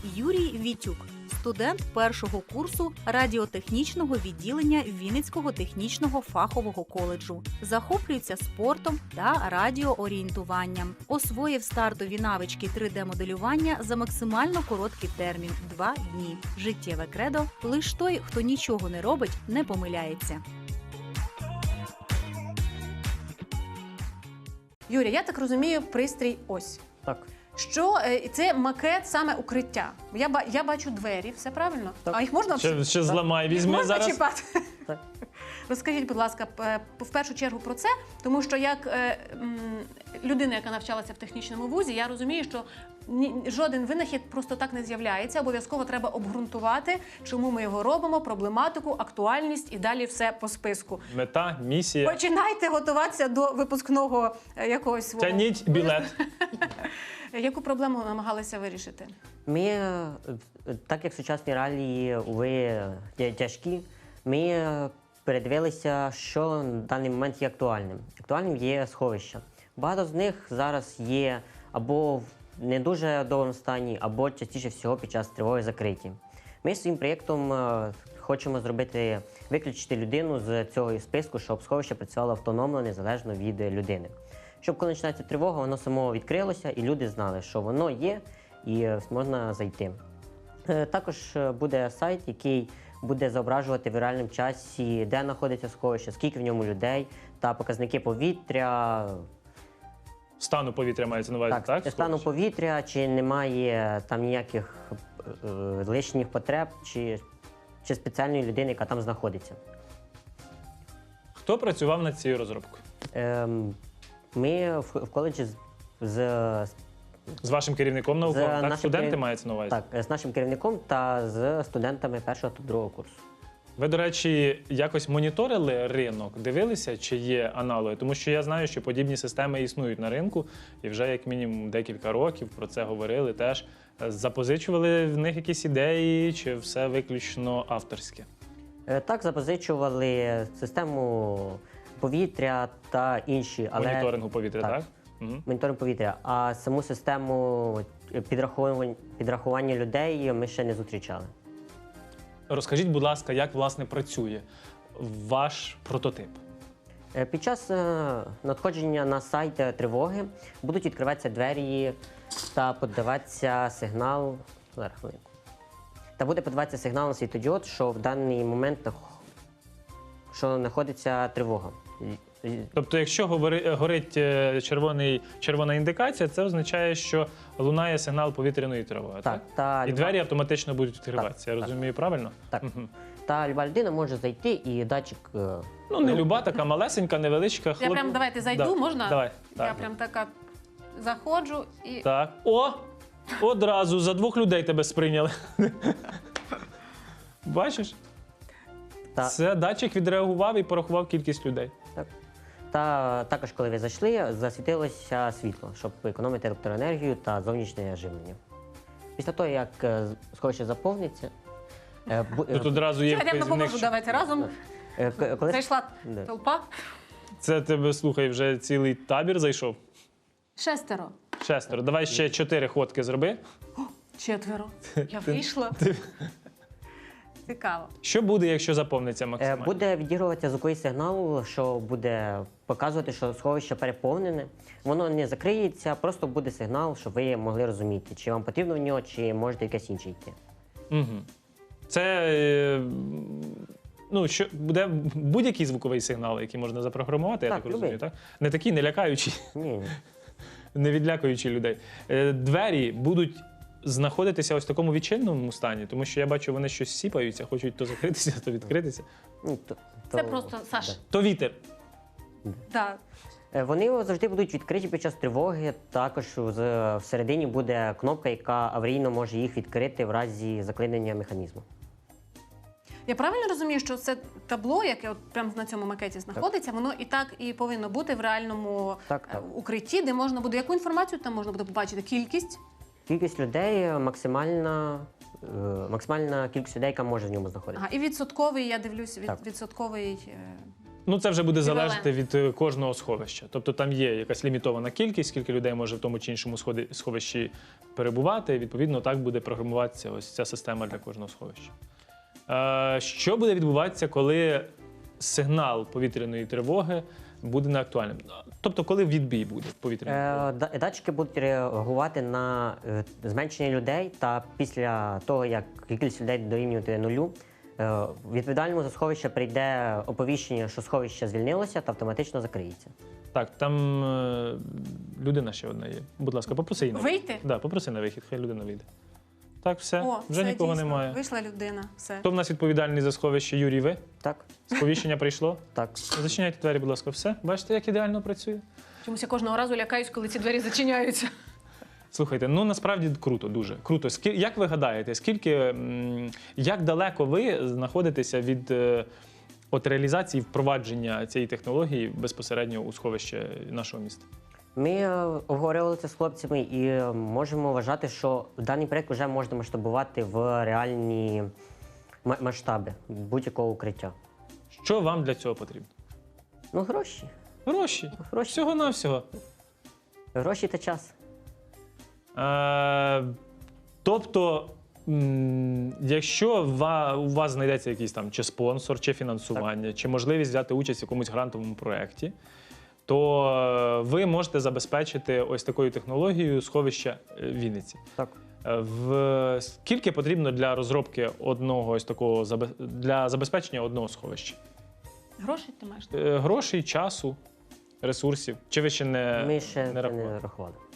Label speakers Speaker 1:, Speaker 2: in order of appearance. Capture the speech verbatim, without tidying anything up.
Speaker 1: Юрій Вітюк, студент першого курсу радіотехнічного відділення Вінницького технічного фахового коледжу. Захоплюється спортом та радіоорієнтуванням. Освоїв стартові навички три де-моделювання за максимально короткий термін – два дні. Життєве кредо – лиш той, хто нічого не робить, не помиляється.
Speaker 2: Юрій, я так розумію, пристрій ось.
Speaker 3: Так.
Speaker 2: Що е, це макет саме укриття. Я, ба- я бачу двері, все правильно?
Speaker 3: Так.
Speaker 2: А їх можна
Speaker 4: Ще, ще зламай,
Speaker 2: їх
Speaker 4: візьми
Speaker 2: можна
Speaker 4: зараз.
Speaker 2: чіпати?
Speaker 3: Так.
Speaker 2: Розкажіть, будь ласка, п- в першу чергу про це, тому що як е, м, людина, яка навчалася в технічному вузі, я розумію, що ні, жоден винахід просто так не з'являється. Обов'язково треба обґрунтувати, чому ми його робимо, проблематику, актуальність і далі все по списку.
Speaker 4: Мета, місія.
Speaker 2: Починайте готуватися до випускного е, якогось свого.
Speaker 4: Тяніть білет.
Speaker 2: Яку проблему намагалися вирішити?
Speaker 3: Ми, е, так як сучасні реалії ви є тяжкі, ми е, передивилися, що на даний момент є актуальним. Актуальним є сховища. Багато з них зараз є або в не дуже доброму стані, або частіше всього під час тривоги закриті. Ми своїм проєктом е, хочемо зробити, виключити людину з цього списку, щоб сховище працювало автономно, незалежно від людини. Щоб коли починається тривога, воно само відкрилося і люди знали, що воно є і е, можна зайти. Е, Також е, буде сайт, який буде зображувати в реальному часі, де знаходиться сховище, скільки в ньому людей та показники повітря,
Speaker 4: Стану повітря мається на увазі, так?
Speaker 3: так, стану повітря, чи немає там ніяких е, лишніх потреб, чи, чи спеціальної людини, яка там знаходиться.
Speaker 4: Хто працював над цією розробкою?
Speaker 3: Ем, ми в, в коледжі з, з,
Speaker 4: З вашим керівником науковим? Так,
Speaker 3: нашим
Speaker 4: студенти
Speaker 3: керів-
Speaker 4: мається на увазі?
Speaker 3: так, з нашим керівником та з студентами першого та другого курсу.
Speaker 4: Ви, до речі, якось моніторили ринок, дивилися, чи є аналоги? Тому що я знаю, що подібні системи існують на ринку, і вже як мінімум декілька років про це говорили теж. Запозичували в них якісь ідеї, чи все виключно авторське?
Speaker 3: Е, Так, запозичували систему повітря та інші, але
Speaker 4: Моніторингу повітря, так?
Speaker 3: так.
Speaker 4: Угу.
Speaker 3: моніторинг повітря, а саму систему підрахування, підрахування людей ми ще не зустрічали.
Speaker 4: Розкажіть, будь ласка, як, власне, працює ваш прототип?
Speaker 3: Е, Під час е, надходження на сайт е, тривоги будуть відкриватися двері та подаватися сигнал. Зараз хвилинку. Та буде подаватися сигнал на світлодіод, що в даний момент нах- що знаходиться тривога. І- і-
Speaker 4: Тобто, якщо говори- горить е, червоний, червона індикація, це означає, що лунає сигнал повітряної тривоги, так?
Speaker 3: Так, та
Speaker 4: І
Speaker 3: люба-
Speaker 4: двері автоматично будуть відкриватися, я
Speaker 3: так.
Speaker 4: розумію правильно?
Speaker 3: Так.
Speaker 4: Мгм.
Speaker 3: Та люба людина може зайти і датчик. е,
Speaker 4: Ну, не люба, така малесенька, невеличка.
Speaker 2: Я
Speaker 4: хлоп-
Speaker 2: прям давайте зайду,
Speaker 4: Да.
Speaker 2: можна?
Speaker 4: Давай.
Speaker 2: Я
Speaker 4: Так.
Speaker 2: прям така заходжу і
Speaker 4: Так. О! Одразу за двох людей тебе сприйняли. Бачиш?
Speaker 3: Та,
Speaker 4: Це датчик відреагував і порахував кількість людей.
Speaker 3: так. Та також, коли ви зайшли, засвітилося світло, щоб економити електроенергію та зовнішнє живлення. Після того, як е, сховище заповниться, е, бу- е,
Speaker 4: Тут одразу є
Speaker 2: я прям допоможу,
Speaker 4: вказівник.
Speaker 2: давайте разом.
Speaker 3: е, к- коли
Speaker 2: Зайшла
Speaker 3: Да.
Speaker 2: толпа.
Speaker 4: Це тебе, слухай, вже цілий табір зайшов.
Speaker 2: Шестеро.
Speaker 4: Шестеро. Давай ще чотири ходки зроби.
Speaker 2: Четверо. Я вийшла. Цікаво.
Speaker 4: Що буде, якщо заповниться
Speaker 3: Е,
Speaker 4: максимально?
Speaker 3: Буде відігруватися звуковий сигнал, що буде показувати, що сховище переповнене. Воно не закриється, просто буде сигнал, щоб ви могли розуміти, чи вам потрібно в нього, чи можете якесь інше йти.
Speaker 4: Угу. Це е, ну, що, буде будь-який звуковий сигнал, який можна запрограмувати, я
Speaker 3: Так,
Speaker 4: так розумію,
Speaker 3: любий.
Speaker 4: так? Не такий, не лякаючий,
Speaker 3: Ні, ні.
Speaker 4: не відлякуючий людей. Е, Двері будуть знаходитися ось в такому відчиненому стані, тому що я бачу, вони щось сіпаються, хочуть то закритися, то відкритися.
Speaker 3: Ну, то-
Speaker 2: Це
Speaker 3: то-
Speaker 2: просто Саш.
Speaker 3: да.
Speaker 4: То вітер.
Speaker 2: Так.
Speaker 3: Е, Вони завжди будуть відкриті під час тривоги. Також з- всередині буде кнопка, яка аварійно може їх відкрити в разі заклинення механізму.
Speaker 2: Я правильно розумію, що це табло, яке от прямо на цьому макеті знаходиться, воно і так і повинно бути в реальному
Speaker 3: Так,
Speaker 2: е,
Speaker 3: так.
Speaker 2: укритті, де можна буде яку інформацію там можна буде побачити? Кількість?
Speaker 3: Кількість людей максимальна, е, максимальна кількість людей, яка може в ньому знаходитися.
Speaker 2: Ага, і відсотковий, я дивлюсь, від,
Speaker 3: Так.
Speaker 2: відсотковий е,
Speaker 4: Ну, це вже буде
Speaker 2: Еквівалент.
Speaker 4: залежати від е, кожного сховища. Тобто там є якась лімітована кількість, скільки людей може в тому чи іншому сходи- сховищі перебувати. І, відповідно, так буде програмуватися ось ця система для кожного сховища. Е, що буде відбуватися, коли сигнал повітряної тривоги буде неактуальним? Тобто, коли відбій буде повітряної тривоги?
Speaker 3: Е, да- Датчики будуть реагувати на е, зменшення людей, та після того, як кількість людей дорівнює нулю, е, відповідальному за сховище прийде оповіщення, що сховище звільнилося та автоматично закриється.
Speaker 4: Так, там е, людина ще одна є. Будь ласка, попроси її на вихід.
Speaker 2: Вийти?
Speaker 4: Да, попроси на вихід, хай людина вийде. Так, все,
Speaker 2: О,
Speaker 4: вже
Speaker 2: все,
Speaker 4: нікого
Speaker 2: дійсно.
Speaker 4: немає.
Speaker 2: Вийшла людина, все.
Speaker 4: Хто в нас відповідальний за сховище? Юрій, ви?
Speaker 3: Так,
Speaker 4: Сповіщення прийшло?
Speaker 3: так.
Speaker 4: Зачиняйте двері, будь ласка, все. Бачите, як ідеально працює?
Speaker 2: Чомусь я кожного разу лякаюсь, коли ці двері зачиняються.
Speaker 4: Слухайте, ну насправді круто, дуже круто. Скі- Як ви гадаєте, скільки, м, як далеко ви знаходитеся від е, от реалізації впровадження цієї технології безпосередньо у сховище нашого міста?
Speaker 3: Ми е, обговорювали це з хлопцями і е, можемо вважати, що даний проєкт вже можна масштабувати в реальні ма- масштаби будь-якого укриття.
Speaker 4: Що вам для цього потрібно?
Speaker 3: Ну, гроші.
Speaker 4: Гроші.
Speaker 3: Гроші.
Speaker 4: Всього-навсього.
Speaker 3: Гроші та час.
Speaker 4: Е, тобто, м, якщо ва- у вас знайдеться якийсь там чи спонсор, чи фінансування, чи можливість взяти участь в якомусь грантовому проєкті, то е, ви можете забезпечити ось такою технологією сховища е, Вінниці.
Speaker 3: Так.
Speaker 4: Е, В скільки потрібно для розробки одного ось такого забе- для забезпечення одного сховища?
Speaker 2: Гроші ти маєш?
Speaker 4: Е, Грошей, часу, ресурсів? Чи ви ще не,
Speaker 3: Ми ще
Speaker 4: не
Speaker 3: це
Speaker 4: рахували?
Speaker 3: не рахували.